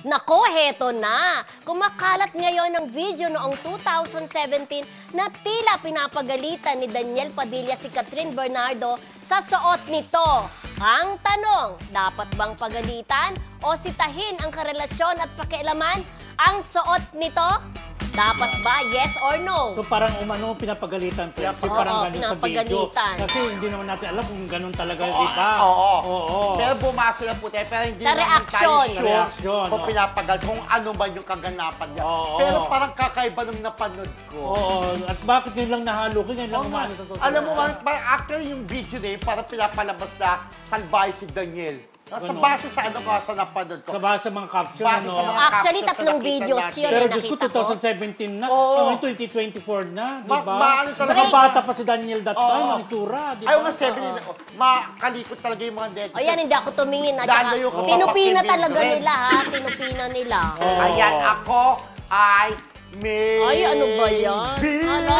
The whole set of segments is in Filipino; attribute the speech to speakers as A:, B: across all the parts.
A: Nako, heto na. Kumakalat ngayon ang video noong 2017 na tila pinapagalitan ni Daniel Padilla si Catherine Bernardo sa suot nito. Ang tanong, dapat bang pagalitan o sitahin ang karelasyon at pakialaman ang suot nito? Dapat ba? Yes or no?
B: So parang umano pinapagalitan, Prince.
A: Oo,
B: Parang ganun sa video.
A: pinapagalitan.
B: Kasi hindi naman natin alam kung ganun talaga, di ba?
C: Oo. Pero bumasa lang po tayo. Pero hindi
A: Sa
C: naman
A: reaksyon.
C: tayo
B: Sa
C: sure
B: reaksyon,
C: kung
B: oo.
C: pinapagal, kung ano ba yung kaganapan niya.
B: Oo.
C: Pero parang kakaiba nung napanood ko.
B: Oo. At bakit yun lang nahalukin? Yun lang
C: Oo nga.
B: umano sa social
C: Alam mo,
B: media.
C: actually yung video na yun, parang pinapalabas na salbahe si Daniel. Sa
B: Ganun.
C: base sa ano ko, sa napanood ko.
B: Sa base sa mga caption,
C: Base sa
B: ano?
C: mga
A: Actually,
C: captions na
A: tatlong
C: nakita
A: videos
C: natin.
A: yun.
B: Pero
A: eh,
B: Diyos ko,
A: nakita ko.
B: 2017 na.
C: Oo.
B: Ngayon, 2024 na, di ba?
C: Maano talaga.
B: Nakabata pa si Daniel that time,
C: Oo.
B: ang itsura, di ba?
C: Ayaw nga 7, makalikot talaga yung mga netizens.
A: O yan, hindi ako tumingin. At
C: Lalo
A: saka,
C: yung kapag
A: tinupina
C: Kevin
A: talaga
C: Durant.
A: nila, ha? Tinupina nila.
B: Oo.
C: Ayan, ako ay may...
A: Ay, ano ba yan? Ano?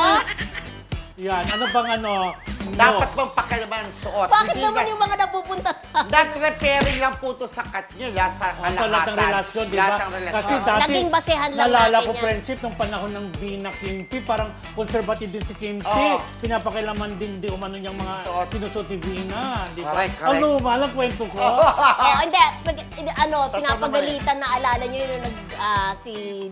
B: Yan, ano bang ano? No.
C: Dapat bang pakialaman ang suot?
A: Bakit
C: Hindi
A: naman
C: na-
A: yung mga napupunta sa...
C: That repairing lang po to sa Katnil, sa
B: Sa lahat ng relasyon, di ba?
C: Lahat ng relasyon.
B: Kasi
A: Oo.
B: dati,
A: Naging basehan lang
B: nalala
A: natin
B: ko
A: yan.
B: friendship nung panahon ng Bina Kimpi, parang conservative din si Kimpi.
C: Oo.
B: Pinapakilaman din di umano niyang mga
C: Suot.
B: sinusot ni Bina, di ba?
C: Correct.
B: Ang luma lang kwento ko.
A: Oh, hindi. Pinapagalitan na alala nyo yun nung si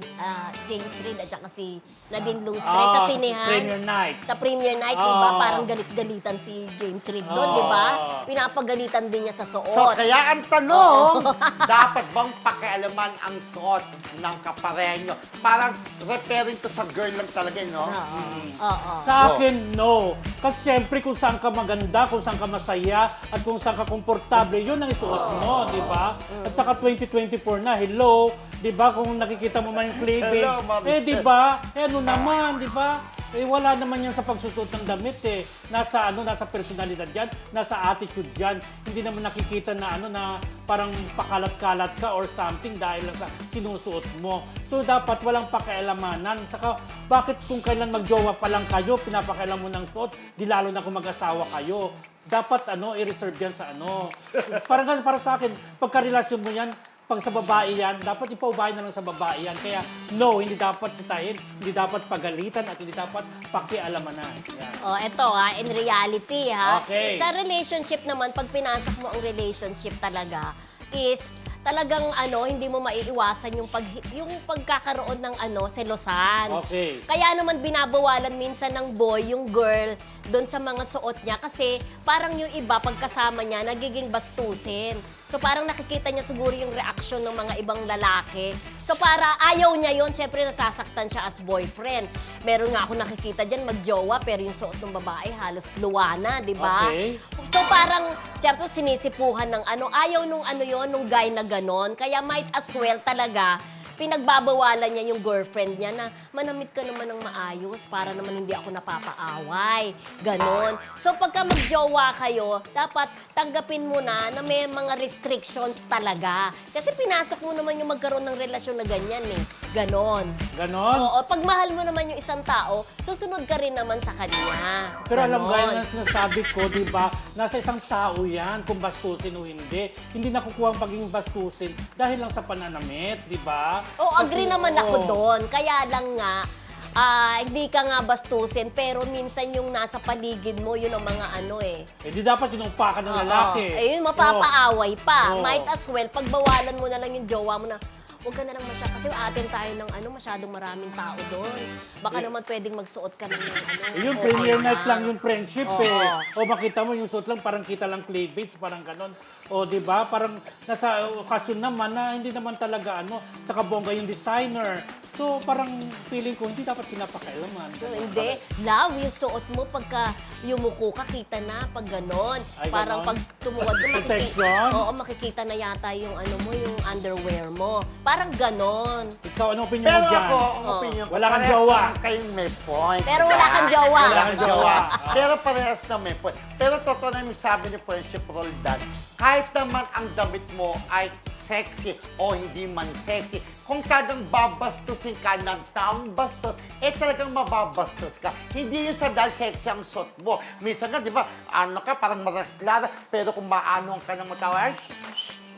A: James Reid at saka si Nadine Lustre sa sinehan.
B: Premier Night.
A: Sa premiere night, di ba?
B: Oo.
A: Parang galit-galitan si James Reid doon,
B: Oo.
A: di ba? Pinapagalitan din niya sa suot.
C: So, kaya ang tanong, dapat bang pakialaman ang suot ng kapareho? Parang referring to sa girl lang talaga, no?
A: Oo.
B: Sa akin, no. Kasi siyempre kung saan ka maganda, kung saan ka masaya, at kung saan ka komportable, yun ang isuot mo, di ba? At saka 2024 na, hello, di ba? Kung nakikita mo man yung cleavage,
C: Hello, Mami
B: di ba? Ano naman, di ba? Wala naman yan sa pagsusuot ng damit eh. Nasa personalidad yan, nasa attitude yan. Hindi naman nakikita na na parang pakalat-kalat ka or something dahil lang sa sinusuot mo. So dapat walang pakialamanan. Saka bakit kung kailan magjowa pa lang kayo, pinapakailan mo ng suot, di lalo na kung mag-asawa kayo. Dapat i-reserve yan sa Parang para sa akin, pagkarelasyon mo yan, pag sa babae yan, dapat ipaubay na lang sa babae yan. Kaya no, hindi dapat sitahin, hindi dapat pagalitan at hindi dapat pakialamanan. Yan.
A: Oh, eto in reality ha.
B: Okay.
A: Sa relationship naman, pag pinasok mo ang relationship talaga, is talagang hindi mo maiiwasan yung pagkakaroon ng selosan.
B: Okay.
A: Kaya naman binabawalan minsan ng boy yung girl doon sa mga suot niya kasi parang yung iba pagkasama niya nagiging bastusin. So parang nakikita niya siguro yung reaksyon ng mga ibang lalaki. So para ayaw niya yon, syempre nasasaktan siya as boyfriend. Meron nga ako nakikita diyan magjowa pero yung suot ng babae halos luwa na, di ba?
B: Okay.
A: So parang syempre sinisipuhan ng ayaw nung nung guy na ganon. Kaya might as well talaga pinagbabawalan niya yung girlfriend niya na manamit ka naman ng maayos para naman hindi ako napapaaway. Ganon. So pagka magjowa kayo, dapat tanggapin mo na may mga restrictions talaga. Kasi pinasok mo naman yung magkaroon ng relasyon na ganyan eh. Ganon.
B: Ganon?
A: Oo. Pag mahal mo naman yung isang tao, susunod ka rin naman sa kanya.
B: Pero alam mo,
A: Ganon.
B: yan ang sinasabi ko, di ba? Nasa isang tao yan, kung bastusin o hindi. Hindi nakukuha ang pagiging bastusin dahil lang sa pananamit, di ba?
A: Oo, agree
B: Kasi,
A: naman
B: oo.
A: ako doon. Kaya lang nga, hindi ka nga bastusin, pero minsan yung nasa paligid mo, yun ang mga
B: Eh di dapat inumpakan ng
A: Oo.
B: lalaki.
A: Ayun, mapapaaway pa.
B: Oo.
A: Might as well, pagbawalan mo na lang yung jowa mo na, huwag ka na lang kasi atin tayo ng masyadong maraming tao doon. Baka naman pwedeng magsuot ka ng
B: Yung
A: okay
B: premiere night
A: lang.
B: lang yung friendship
A: Oo.
B: O makita mo yung suot lang, parang kita lang cleavage, parang ganon. O di ba? Parang nasa okasyon naman na hindi naman talaga saka bongga yung designer. So parang feeling ko hindi dapat pinapakailaman.
A: Hindi. Love, yung suot mo pagka yumuko ka, kita na pag ganon.
B: Ay,
A: Parang
B: ganon?
A: pag tumuwad ka,
B: Protection?
A: Oo, makikita na yata yung yung underwear mo. Parang ganon.
B: Ikaw, ano opinion
C: Pero
B: mo dyan?
C: ako, ang opinion ko,
B: Wala kang
C: parehas
B: jowa.
C: naman kayong may point.
A: Pero wala kang jowa.
B: Wala kang jowa.
C: Pero parehas na may point. Pero totoo na yung sabi ni Friendship Roldan, kahit naman ang damit mo ay sexy o hindi man sexy, kung talagang babastusin ka ng taong bastos, talagang mababastos ka. Hindi yun sa dahil sexy ang suot mo. Minsan nga, di ba, parang maraklara, pero kung maano ka ng matawa,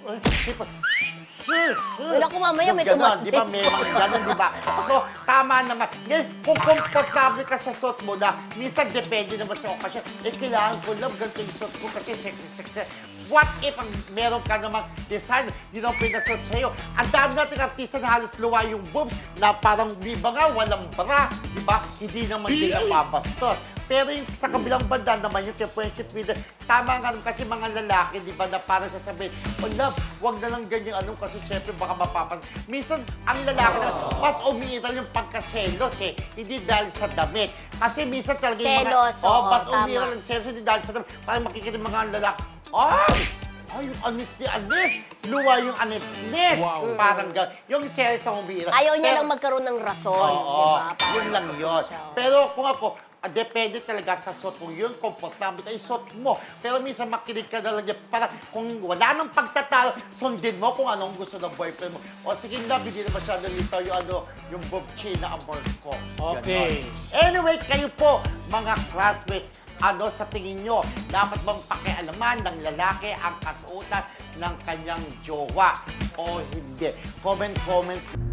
C: siyempre, sus.
A: Wala ko mamaya, may
C: Yung ganon,
A: tumabi.
C: di ba? May mga ganon, di ba? So, tama naman. Ngayon, kung komportable ka sa suot mo na, minsan depende naman sa okasyon, kailangan ko lang ganito yung suot ko kasi sexy. What if ang meron ka namang design, yun ang pinasuot sa'yo? Ang dami nating artista na halos luwa yung boobs, na parang biba nga, walang bra, di ba? Hindi naman din nababastos. Pero yung sa kabilang banda naman, yung friendship with tama nga rin kasi mga lalaki, di ba, na parang sasabihin, oh love, wag na lang ganyan kasi syempre baka mapapas. Minsan, ang lalaki na, mas umiiral yung pagkaselos hindi dahil sa damit. Kasi minsan talaga yung
A: Selos,
C: mga,
A: oo,
C: mas
A: tama.
C: umiiral ang selos, hindi dahil sa damit. Parang makikita yung mga lalaki, ay, yung anits ni Anis, luwa yung anits ni.
B: Wow.
C: Parang gano'n. Yung selos na umiiral.
A: Ayaw niya
C: Pero-
A: lang magkaroon ng rason,
C: Oo,
A: di ba? Para
C: yun lang
A: sa
C: yun.
A: social.
C: Pero kung ako, depende talaga sa suot mo yun, komportable ka, suot mo. Pero minsan makinig ka na lang yan, para kung wala nang pagtatalo, sundin mo kung anong gusto ng boyfriend mo. O sige na, hindi na masyado litaw yung Bob Chi na amor ko.
B: Okay.
C: Ganon. Anyway, kayo po, mga classmates, sa tingin nyo, dapat bang pakialaman ng lalaki ang kasuotan ng kanyang jowa o hindi? Comment